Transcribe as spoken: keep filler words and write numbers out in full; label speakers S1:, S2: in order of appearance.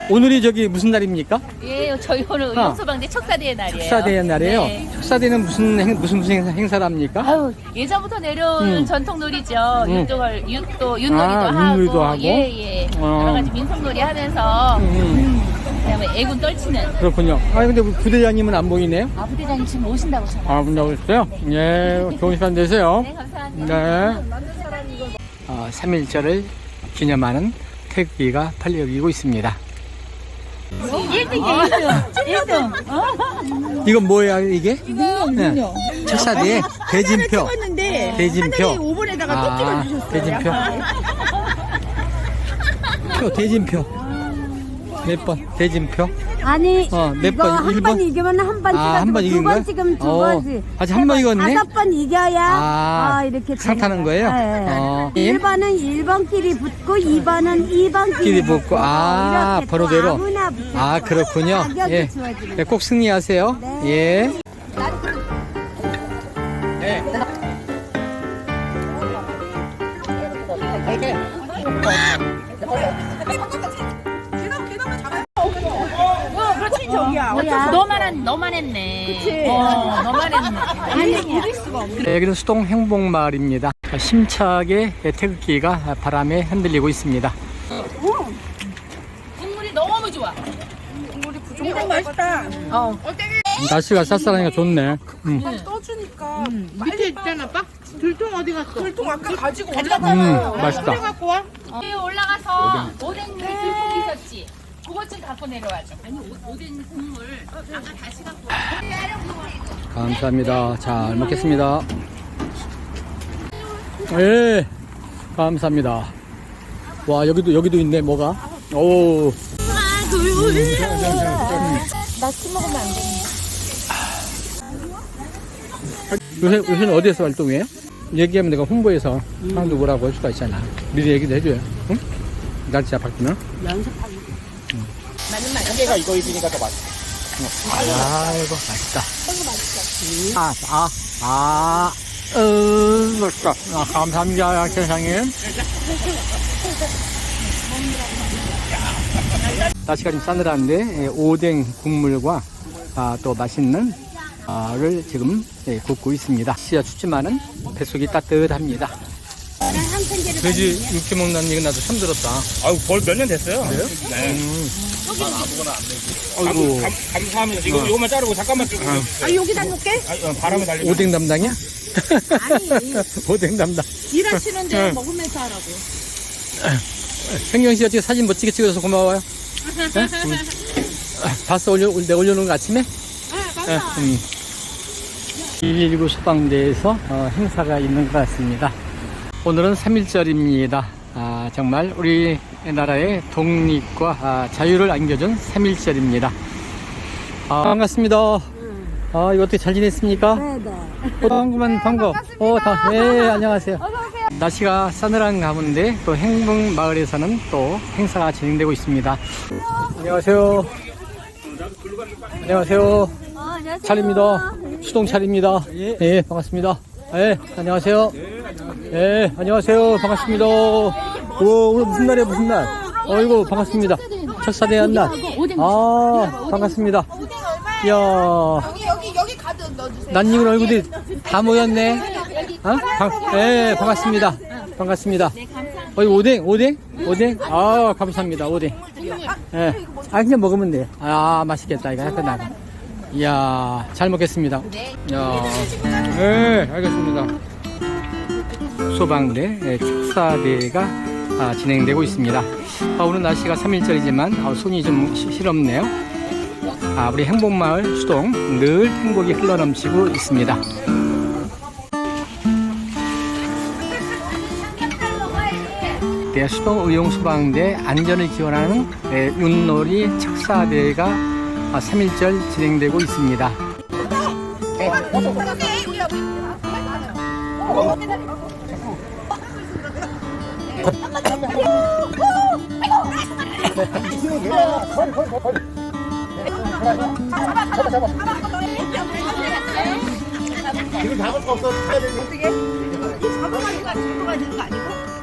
S1: 오늘이 저기 무슨 날입니까?
S2: 예, 저희 오늘 의용소방대 척사대의 날이에요.
S1: 척사대의 날이에요?
S2: 네.
S1: 척사대는 무슨 행, 무슨 무슨 행사, 행사를 합니까?
S2: 아유, 예전부터 내려온
S1: 음.
S2: 전통놀이죠.
S1: 음.
S2: 윤도걸, 윤도, 윷놀이도
S1: 아,
S2: 하고.
S1: 윷놀이도 하고?
S2: 예, 예.
S1: 어.
S2: 여러 가지 민속놀이 하면서.
S1: 음.
S2: 그다음에 애군 떨치는.
S1: 그렇군요. 아 근데 우리 부대장님은 안 보이네요?
S2: 아, 부대장님 지금 오신다고 전화.
S1: 아, 문자고 있어요? 예, 좋은 시간 되세요.
S2: 네, 감사합니다.
S1: 네. 어, 삼일절을 기념하는 태극기가 팔려기고 있습니다.
S2: 일 등이에요, 일 등.
S1: 이건 뭐예요, 이게?
S3: 이거
S1: 네. 척사대의 대진표.
S3: 찍었는데
S1: 대진표.
S3: 하늘이 오 번에다가
S1: 아,
S3: 또 찍어주셨어요.
S1: 대진표. 표, 대진표. 몇 번? 대진표?
S4: 아니
S1: 어, 몇
S4: 이거
S1: 번?
S4: 한
S1: 일
S4: 번
S1: 번?
S4: 이기면 한 번
S1: 아, 한번
S4: 찍어주고
S1: 이긴
S4: 두 번
S1: 거야?
S4: 찍으면 두
S1: 어,
S4: 번씩
S1: 아직 한 번 이겼네?
S4: 다섯 번 이겨야
S1: 아,
S4: 아, 이렇게
S1: 상타는 거예요? 어.
S4: 일 번은 일 번끼리 붙고 이 번은 이 번끼리
S1: 끼리 붙고, 아,
S4: 이렇게
S1: 번호대로?
S4: 또 아무나 붙여서
S1: 아, 그렇군요.
S4: 가격이
S1: 예.
S4: 주어지는
S1: 네, 꼭 승리하세요.
S4: 네.
S1: 예. 네.
S3: 어, 그렇지 저기야.
S4: 뭐야?
S2: 너만, 한, 너만 했네. 그치. 어, 너만 했네.
S3: 아니 믿을 수가 없네.
S1: 네, 여기는 수동 행복마을입니다. 힘차게 태극기가 바람에 흔들리고 있습니다.
S2: 국물이 너무 좋아.
S3: 정말 맛있다.
S2: 어.
S1: 날씨가 쌀쌀하니까 좋네. 음.
S3: 떠주니까
S5: 밑에 있잖아. 빡 들통 어디 갔어?
S3: 들통 아까 가지고
S1: 음,
S3: 올라가요.
S1: 맛있다.
S5: 갖고 와.
S2: 위에 올라가서 오뎅 물이 들고 있었지. 그것 좀 갖고 내려와줘. 아니, 오- 오뎅 국물 아까 다시 갖고 와.
S1: 감사합니다. 잘 먹겠습니다. 예, 감사합니다. 와, 여기도, 여기도 있네, 뭐가. 오. 요새, 요새는 어디에서 활동해요? 얘기하면 내가 홍보해서 사람들 오라고 할 수가 있잖아. 미리 얘기도 해줘요. 응? 날짜 바뀌면.
S5: 한개가 이거 입으니까 더 맛있어.
S1: 아이고, 맛있다. 아, 아, 아, 으, 맛있다. 아, 감사합니다, 세상님. 날씨가 좀 싸늘한데, 예, 오뎅 국물과 아, 또 맛있는 아를 지금 예, 굽고 있습니다. 날씨가 춥지만은 뱃속이 따뜻합니다. 돼지 육회 먹는다는 얘기 나도 처음 들었다.
S5: 아유, 벌 몇 년 됐어요.
S1: 그래요?
S5: 네.
S1: 음.
S5: 아이고.
S1: 아이고,
S5: 감, 감사합니다. 이거, 이거만 자르고 잠깐만 좀.
S3: 아 여기다 놓게?
S5: 아, 어, 바람에 달리면.
S1: 오뎅 담당이야?
S3: 아니
S1: 오뎅 담당.
S3: 일하시는데
S1: 네.
S3: 먹으면서 하라고.
S1: hen경 씨가 지금 사진 멋지게 찍어줘서 고마워요. 네? 음. 아, 봤어? 올려, 내가 올려놓은 거 아침에? 네, 봤어. 음. 이일구 소방대에서 어, 행사가 있는 것 같습니다. 오늘은 삼일절입니다. 아, 정말 우리나라의 독립과 아, 자유를 안겨준 삼일절입니다. 아, 반갑습니다. 아, 이거 어떻게 잘 지냈습니까?
S4: 네네.
S1: 어, 반구만 반가. 어, 다, 네, 안녕하세요. 날씨가 싸늘한 가운데 또 행복마을에서는 또 행사가 진행되고 있습니다. 안녕하세요. 안녕하세요. 차례입니다. 수동 차례입니다. 예, 반갑습니다. 예, 안녕하세요. 예, 안녕하세요. 반갑습니다. 오, 오늘 무슨 날이에요, 무슨 날? 어이구, 반갑습니다. 척사대의 날. 아, 반갑습니다. 이야.
S3: 여기 여기 여기 가득 넣어주세요.
S1: 낯익은 얼굴이 다 모였네. 어? 반, 예, 반갑습니다. 반갑습니다. 어이, 오뎅, 오뎅? 오뎅? 아, 감사합니다, 오뎅. 예. 아, 그냥 먹으면 돼. 아, 맛있겠다, 이거. 약간 나가. 이야, 잘 먹겠습니다. 이야. 예, 알겠습니다. 소방대 예, 척사대가 아, 진행되고 있습니다. 아, 오늘 날씨가 삼일절이지만 아, 손이 좀 시- 시렵네요. 아, 우리 행복마을 수동 늘 행복이 흘러넘치고 있습니다. 네, 수동 의용소방대 안전을 기원하는 네, 윷놀이 척사대회가 아, 삼일절 진행되고 있습니다.
S5: 지금 잡을 거 없어.
S3: 어떻게? 이 잡아가지고 잡아가지고 거 아니고?